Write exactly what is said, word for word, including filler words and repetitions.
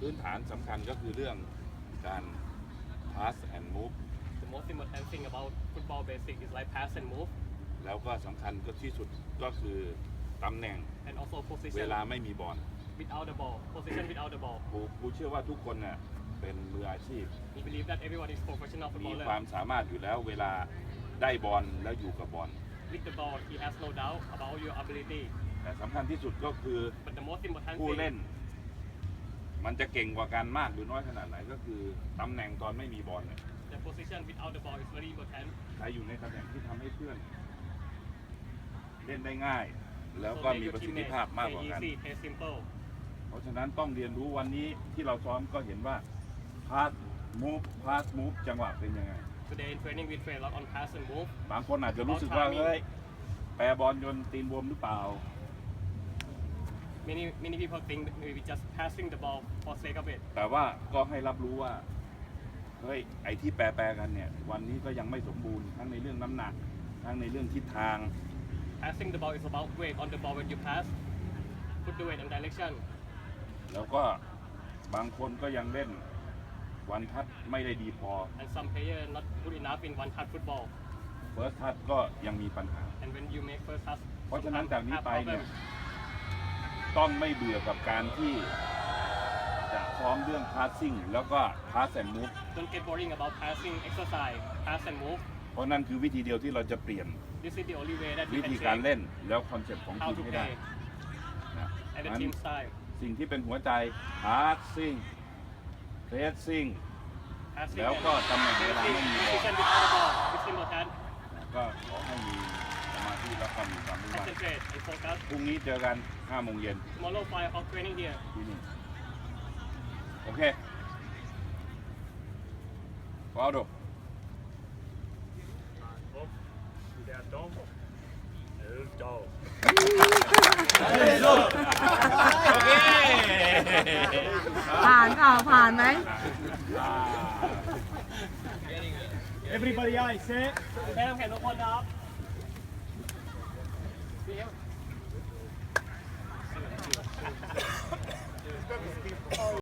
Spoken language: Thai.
พื้นฐานสำคัญก็คือเรื่องการ pass and move The most important thing about football basic is like pass and move แล้วก็สำคัญก็ที่สุดก็คือตำแหน่ง and also เว position ลาไม่มีบอล without the ball position without the ball กูกูเชื่อว่าทุกคนเนี่ยเป็นมืออาชีพ We believe that everyone is professional มี footballer ความสามารถอยู่แล้วเวลาได้บอลแล้วอยู่กับบอล with the ball he has no doubt about your ability แต่สำคัญที่สุดก็คือ but the most important ผู้ thing เล่น มันจะเก่งกว่ากันมากหรือน้อยขนาดไหนก็คือตำแหน่งตอนไม่มีบอลเนี่ย the position without the ball is very important ใครอยู่ในตำแหน่งที่ทำให้เพื่อน เล่นได้ง่าย แล้ว so ก็ make มี your ประสิทธิ teammates ภาพมาก play กว่ากัน easy play simple เพราะฉะนั้นต้องเรียนรู้วันนี้ที่เราซ้อมก็เห็นว่า pass move pass move จังหวะเป็นยังไง today in training we train a lot on pass and move บางคนอาจจะรู้สึกว่าเฮ้ยแปรบอลจนตีนบวมหรือเปล่า many many people think that maybe just passing the ball for sake of it แต่ว่าก็ให้รับรู้ว่าเฮ้ยไอ้ที่แปรแปรกันเนี่ยวันนี้ก็ยังไม่สมบูรณ์ทั้งในเรื่องน้ำหนักทั้งในเรื่องทิศทาง passing the ball is about weight on the ball when you pass put the weight and direction แล้วก็บางคนก็ยังเล่นวันทัดไม่ได้ดีพอ and some player not good enough in one touch football เฟิร์สทัดก็ยังมีปัญหา and when you make first touch เพราะฉะนั้นจากนี้ไปเนี่ย problem ต้องไม่เบื่อกับการที่จะซ้อมเรื่อง passing แล้วก็ pass and move don't get worrying about passing exercise pass and move เพราะนั่นคือวิธีเดียวที่เราจะเปลี่ยน this is the only way that วิ you ธี can การ change เล่นแล้วคอนเซ็ปต์ของ how ทีม to ให้ได้ play นะ and the งั้น team style สิ่งที่เป็นหัวใจ passing pressing passing แล้วก็ตำแหน่งเวลาไม่มีบอล position without the ball it's important ก็ขอให้มีสมาธิและความมีความมุ่งมั่น concentrate and focus พรุ่งนี้เจอกันห้าโมงเย็น tomorrow five o'clock training here ที่นี่โอเคว้าวดูผ่านเปล่าผ่านไหม Everybody eyes set. แม่ต้องเห็นทุกคนนะครับ